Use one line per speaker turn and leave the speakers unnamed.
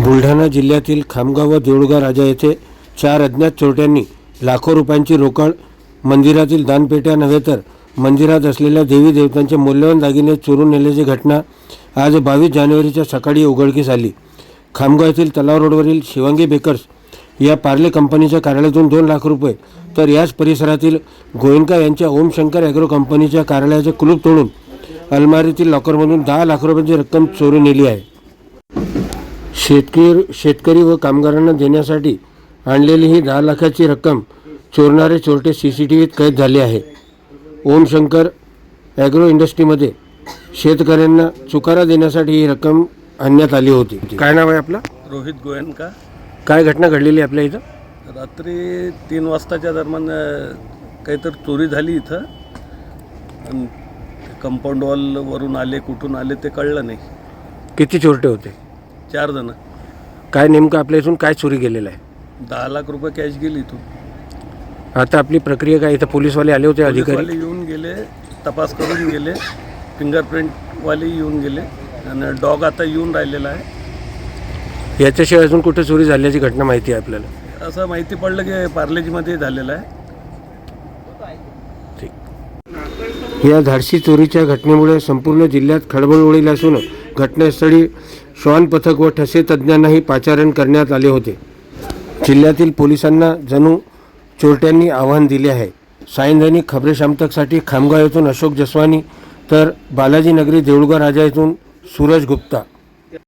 बुलढाणा जिल्ह्यातील खामगाव व देऊळगाव राजा येथे 4 अज्ञात चोरट्यांनी लाखो रुपयांची रोकड, मंदिरातील दानपेट्या नव्हे तर मंदिरात असलेल्या देवी देवतांचे मौल्यवान दागिने चोरून नेल्याची घटना आज 22 जानेवारीच्या सकाळी उघडकीस आली। खामगाव येथील तलाव रोडवरील शिवांगी बेकर्स या पार्ले कंपनीच्या कार्यालयातून 2 लाख रुपये तर याच परिसरातील गोयंका यांच्या ओमशंकर ॲग्रो कंपनीच्या कार्यालयाचे कुलूप तोडून अलमारीतील लॉकरमधून 10 लाख रुपयांची रक्कम चोरून नेली आहे। शेतकरी व कामगारांना देण्यासाठी आणलेली ही 10 लाखाची रक्कम चोरणारे चोरटे सीसीटीव्हीत कैद झाले आहे। ओमशंकर ॲग्रो इंडस्ट्रीमध्ये शेतकऱ्यांना चुकारा देण्यासाठी ही रक्कम आणण्यात आली होती। काय नाव आहे आपलं?
रोहित गोयंका।
काय घटना घडलेली आपल्या इथं?
रात्री 3 वाजताच्या दरम्यान काहीतरी चोरी झाली इथं। कंपाऊंड वॉलवरून आले, कुठून आले ते कळलं नाही।
किती चोरटे होते?
4 जण।
काय नेमकं आपल्या इथून काय चोरी गेलेलं आहे?
10 लाख रुपये कॅश गेली इथून।
आता आपली प्रक्रिया काय? इथं पोलीसवाले आले होते, अधिकारी
पोलीसवाले येऊन गेले, तपास करून गेले, फिंगरप्रिंटवाले येऊन गेले आणि डॉग आता येऊन राहिलेला आहे।
याच्याशिवाय अजून कुठे चोरी झाल्याची घटना माहिती आहे आपल्याला?
असं माहिती पडलं की पार्लेजीमध्ये झालेलं आहे।
या धाडसी चोरीच्या घटनेमुळे संपूर्ण जिल्ह्यात खळबळ उडाली असून घटनास्थळी श्वान पथक व ठसे तज्ज्ञांनाही पाचारण करण्यात आले होते। जिल्ह्यातील पोलिसांना जणू चोरट्यांनी आव्हान दिले आहे। सायंदैनिक खबरे शामतकसाठी खामगाव येथून अशोक जसवानी तर बालाजी नगरी देऊळगाव राजा येथून सूरज गुप्ता।